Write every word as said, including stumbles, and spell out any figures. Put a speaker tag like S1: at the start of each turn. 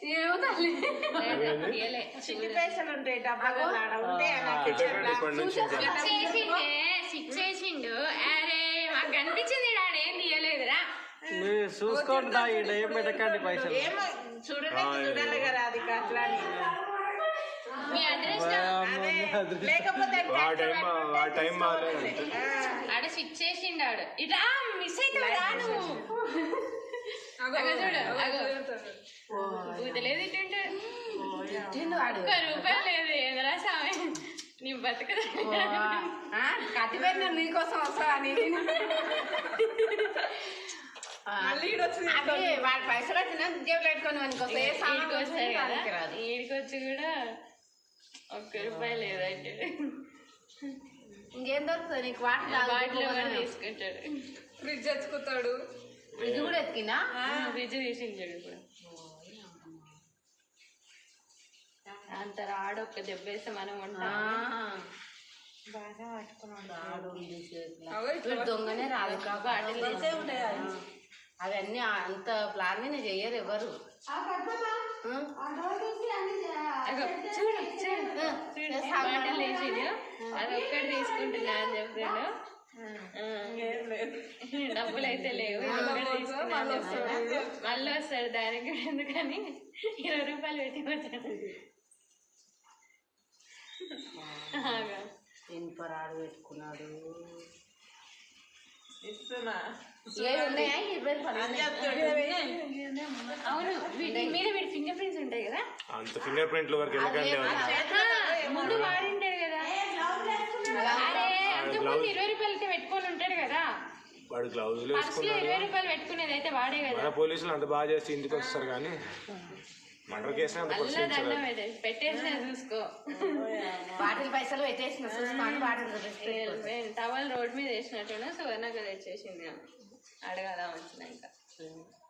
S1: ఏమో తల్లి
S2: చిట్టి పైసలు ఉంటాయి డబ్బా ఉంటే
S1: సిక్స్ వేసిండు. అరే మాకు కనిపించింది డాడీ ఏం తీయలేదురా.
S3: చూసుకోండి ఏం పెట్టకండి పైసలు.
S2: ఏమో చూడలేదు చూడాలి కదా అది అట్లా
S1: మీ అడ్రస్
S2: లేకపోతే
S1: ఆడ స్విచ్ చేసిండు. ఆడు ఇట్లా మిస్ అవుతావురా నువ్వు. చూడు ఊతలేదు ఇటుంటే ఒక్క రూపాయలు లేదు. ఎదురా సామె నీ బతుకదా
S4: కట్టిపెట్టిన నీకోసం వస్తా అని వాడి పైసలు వచ్చిన జేబులు పెట్టుకొని
S1: వస్తారు కదా. ఈడికొచ్చి కూడా ఒక్క రూపాయి లేదంటే
S4: ఇంకేం దొరుకుతుంది నీకు? వాటర్
S1: బాటిల్ కూడా తీసుకుంటాడు.
S4: ఫ్రిడ్జ్ ఎత్తుకుతాడు. ఫ్రిడ్జ్ కూడా ఎత్తికినా
S1: ఫ్రిడ్జ్ తీసించాడు. ఇప్పుడు అంత రాడు ఒక్క దెబ్బ వేస్తే మనం ఉంటాం.
S4: బాగా పట్టుకున్నాడు దొంగనే రాదు బాటిల్ అవన్నీ అంత ప్లాన్ మీద చెయ్యరు ఎవరు.
S1: చూడు చూడు బాటిల్ వేసిండు. అది ఒక్కటి తీసుకుంటున్నా అని చెప్పాడు. డబ్బులు అయితే లేవు మళ్ళీ వస్తాడు. దానికి ఎందుకని ఇరవై రూపాయలు పెట్టి వచ్చాడు.
S4: ఇనుపరాడు పెట్టుకున్నాడు.
S1: అవును వీటి మీద వీడి ఫింగర్ ప్రింట్స్ ఉంటాయి కదా.
S3: అంత ఫింగర్ ప్రింట్ల వరకు ఎందుకంటే
S1: ముందు వాడింటాడు కదా. అరే అంతకుముందు ఇరవై రూపాయలకి పెట్టుకొని ఉంటాడు కదా.
S3: వాడు గ్లౌజులు
S1: ఇరవై రూపాయలు పెట్టుకునేది అయితే వాడే కదా.
S3: పోలీసులు అంత బాగా చేసి ఇంటికి వస్తారు కానీ మర్డర్ కేసు
S1: పెట్టేసిన చూసుకో.
S4: బాటిల్ పైసలు పెట్టేసిన చూసుకోండి. బాటిల్
S1: టవల్ రోడ్ మీద వేసినట్టున్నా సువర్ణకు తెచ్చేసింది. అడగాల వచ్చినాక